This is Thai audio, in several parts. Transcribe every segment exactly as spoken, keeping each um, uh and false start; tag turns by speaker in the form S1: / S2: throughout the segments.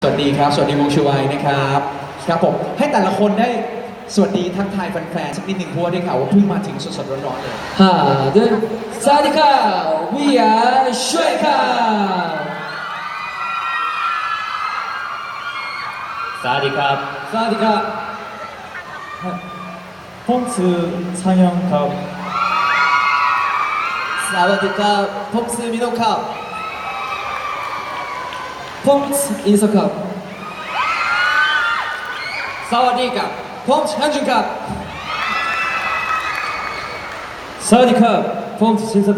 S1: สวัสดีครับสวัสดีวงชูไวนะครับครับผมให้แต่ละคนได้สวัสดีทักทายแฟนๆสักนิดหนึ่งเพราะว่าได้ข่าวว่าเพิ่งมาถึงสดๆร้อนๆเลย
S2: 하나 둘 사와디카 We are 슈에카
S3: สวัสดีครับ
S2: 사와디카
S4: 폰츠 상영 갑
S2: 사와디카 폼스 미노카 폼스 인서카 사와디카 폼스 현준카 사와디카 폼스 신서카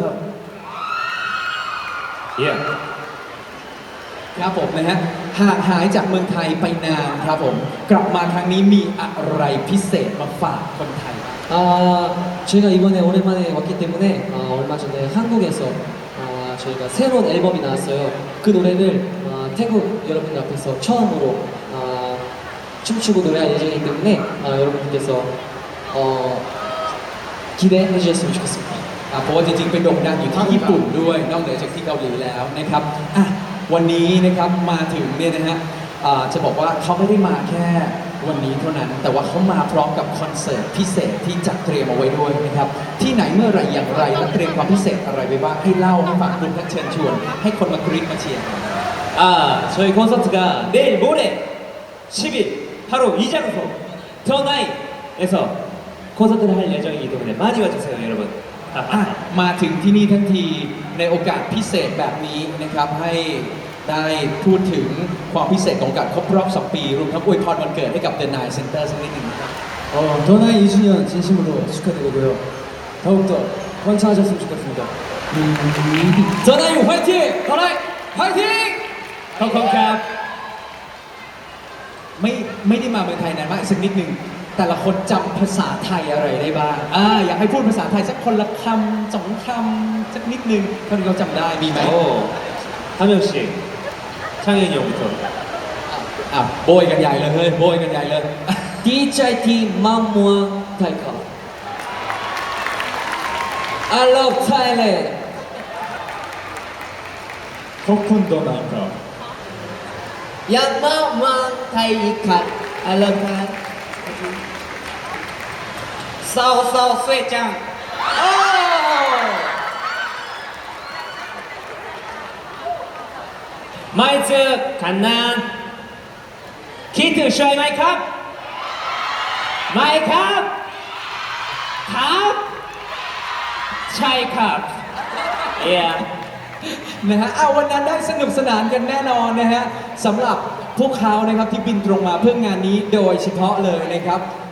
S3: เยี่ยม
S1: ครับผมนะฮะห่างหายจากเมืองไทยไปนานครับผมกลับมาครั้งนี้มีอะไรพิเศษมาฝากคนไทย
S2: 아, 저희가 이번에 오랜만에 왔기 때문에 아, 얼마 전에 한국에서 아, 저희가 새로운 앨범이 나왔어요. 그 노래를 아, 태국 여러분들 앞에서 처음으로 아, 춤추고 노래할 예정이기 때문에 아, 여러분들께서 어, 기대해 주셨으면 좋겠습니다.
S1: อ่ะเพราะว่าจริงๆไปโด่งดังอยู่ที่ญี่ปุ่นด้วยนอกเหนือจากที่เกาหลีแล้วนะครับอ่ะวันนี้นะครับมาถึงเนี่ยนะฮะอ่าจะบอกว่าเขาไม่ได้มาแค่วันนี้เท่านั้น แต่ว่าเขามาพร้อมกับคอนเสิร์ตพิเศษที่จัดเตรียมเอาไว้ด้วยนะครับที่ไหนเมื่อไหรอย่างไรและเตรียมความพิเศษอะไรไว้บ้างให้เล่าให้ฟังคุณและเชิญชวนให้คนมากรี๊ดมาเชียร์
S3: 아, 저희 콘서트가 내일 모레 십 일 바로 이 장소 더나잇에서 콘서트를 할 예정이기 때문에 많이 와주세요 여러분.
S1: อ่ะมาถึงที่นี่ทั้งทีในโอกาสพิเศษแบบนี้นะครับให้ได้พูดถึงความพิเศษของการครบรอบสองปีรวมทั้งอวยพรวันเกิดให้กับ The Nine Center สักนิดหนึ่งนะครับ
S2: 어, 더나잇 이 주년 진심으로 축하드리고요. 더욱더 번창하셨으면 좋겠습니다. 더나잇 화이팅! 더나잇 화이팅!
S3: ขอบคุณครับ
S1: ไม่ไม่ได้มาเมืองไทยนานมากสักนิดหนึ่งแต่ละคนจำภาษาไทยอะไรได้บ้างอ่าอยากให้พูดภาษาไทยสักคนละคำสองคำสักนิดหนึ่งเท่าที่เราจำได้มีไหม
S3: 오, 한 명씩 창현이 형부터.
S1: อ่ะโบยกันใหญ่เลยเฮ้ยโบยกันใหญ่เลย
S2: 디자이티 만무한 타이카 I love Thailand
S4: 코쿤 더 나이카
S2: 양마만 타이카 I love Thailand 싸워 싸워 쇠짱
S3: 마이츠 갓난 키트 슈아이 마이 컵 마이 컵 컵 차이 컵 yeah
S1: นะฮะเอาวันนั้นได้สนุกสนานกันแน่นอนนะฮะสำหรับพวกเขานะครับที่บินตรงมาเพื่องานนี้โดยเฉพาะเลยนะครับ